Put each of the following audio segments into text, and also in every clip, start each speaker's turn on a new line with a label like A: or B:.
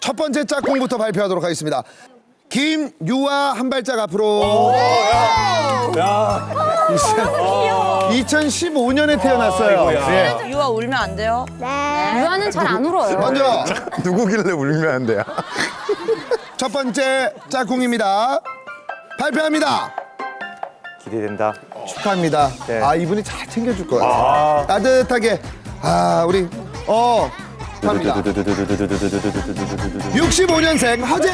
A: 첫 번째 짝꿍부터 발표하도록 하겠습니다. 김유아 한 발짝 앞으로. 2015년에 태어났어요. 예.
B: 유아 울면 안 돼요?
C: 유아는 잘 안 울어요.
A: 먼저
D: 누구길래 울면 안 돼요?
A: 첫 번째 짝꿍입니다. 발표합니다.
D: 기대된다.
A: 축하합니다.
D: 네.
A: 아, 이분이 잘 챙겨줄 것 같아요. 따뜻하게. 아, 우리 합니다. 65년생 허재.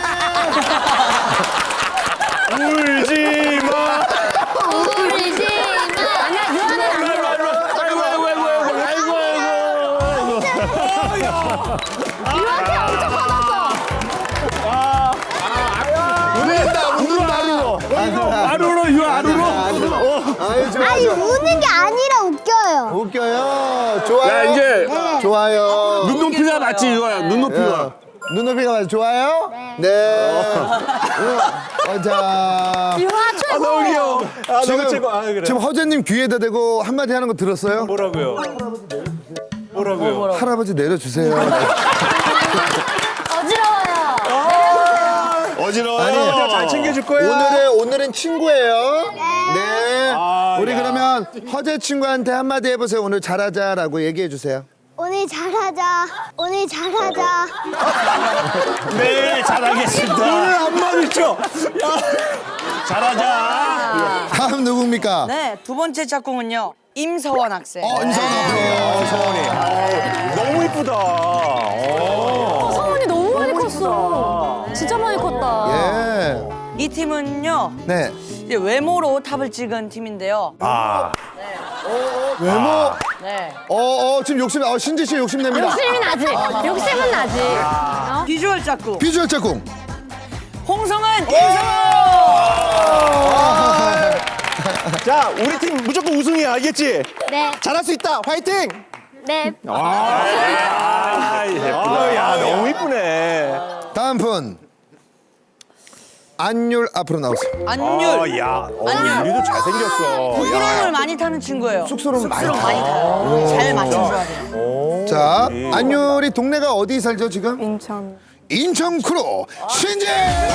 D: 울지 마.
C: 울지 마. 아니야, 유아는 안 울어. 유아한테 엄청 화났어.
D: 안 울어, 이거 안 울어.
A: 아이, 좋아,
E: 아니
A: 좋아.
E: 우는 게 아니라 웃겨요.
A: 웃겨요. 좋아요.
D: 야, 이제
A: 좋아요.
D: 눈높이가 맞지, 이거야. 눈높이가.
A: 눈높이가 맞아. 좋아요? 네. 자.
C: 유아 최고.
D: 너무 귀여워.
A: 지금,
D: 최고. 그래.
A: 지금 허재님 귀에다 대고 한마디 하는 거 들었어요?
D: 뭐라고요?
A: 할아버지 내려주세요.
C: 어지러워요.
A: 아니,
D: 잘 챙겨줄 거야.
A: 오늘은 친구예요. 네. 우리 그러면 허재 친구한테 한마디 해보세요. 오늘 잘하자라고 얘기해 주세요.
E: 오늘 잘하자. 오늘 잘하자.
D: 네, 잘하겠습니다. 오늘 한마디 쳐. 잘하자.
A: 다음 누굽니까?
B: 네, 두 번째 짝꿍은요. 임서원 학생.
A: 임성아
D: 서원이. 너무 이쁘다.
C: 성훈이 너무 많이 컸어. 진짜 많이 컸다.
A: 예.
B: 이 팀은요.
A: 네.
B: 이제 외모로 탑을 찍은 팀인데요.
A: 외모.
B: 네.
A: 지금 신지 씨 욕심냅니다.
C: 욕심이 나지. 욕심은 나지.
B: 비주얼 짝꿍.
A: 비주얼 짝꿍.
B: 홍성은 임성원.
D: 자, 우리 팀 무조건 우승이야, 알겠지?
E: 네.
D: 잘할 수 있다. 화이팅!
E: 네.
D: 야, 너무 이쁘네.
A: 다음 분. 안율 앞으로 나오세요.
B: 안율.
D: 야,
B: 안녕.
D: 유리도 잘생겼어.
B: 부끄러움을 많이 타는 친구예요.
A: 쑥스러움 많이
B: 쑥스러움 많이 타요. 잘 맞춰줘야 돼요.
A: 자, 안율이 동네가 어디 살죠 지금?
C: 인천.
A: 인천 크루 신지.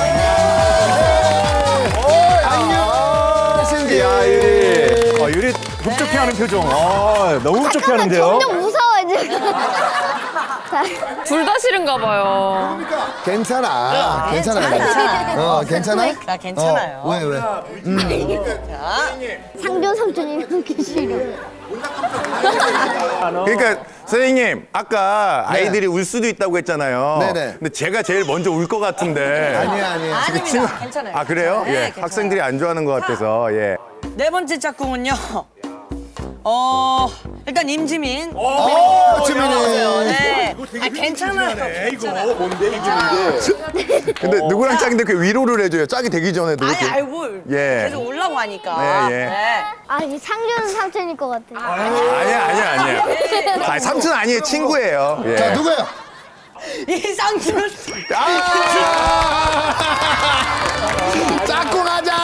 A: 안녕 신지.
D: 야, 유리. 유리 흡족해하는 표정. 너무 흡족해하는데요?
E: 점점 무서워요 지금.
C: 둘 다 싫은가 봐요.
A: 괜찮아. 괜찮아. 괜찮아?
B: 나 괜찮아요.
A: 왜?
E: 상준 삼촌이 그렇게 싫어.
D: 그러니까 선생님 아까 아이들이 울 수도 있다고 했잖아요.
A: 네네.
D: 근데 제가 제일 먼저 울 것 같은데.
A: 아니야.
B: 아닙니다. 괜찮아요.
D: 아 그래요?
B: 네,
D: 예.
B: 괜찮아요.
D: 학생들이 안 좋아하는 것 같아서 예.
B: 네 번째 짝꿍은요. 일단 임지민.
A: 지민이.
B: 네. 괜찮아요. 괜찮아요.
D: 근데 누구랑 짝인데 그 위로를 해줘요. 짝이 되기 전에도.
B: 아니,
D: 이렇게.
B: 알고
D: 예.
B: 계속 올라고 하니까.
D: 예.
B: 네.
E: 아니 상준 삼촌일 것 같아.
D: 아니야. 아, 삼촌 아니에요. 친구예요. 예.
A: 자, 누구예요?
B: 이상준.
A: 짝꿍하자.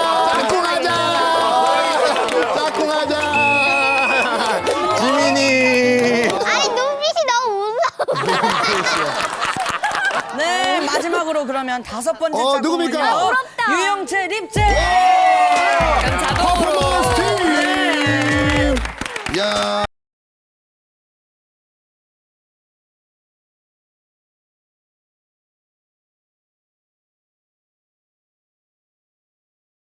D: 지민이.
E: 아니 눈빛이 너무 무서워.
B: 네, 마지막으로 그러면 다섯 번째
A: 누굽니까?
B: 짝꿍은요. 유영채, 립제.
A: 퍼포먼스 팀. 야.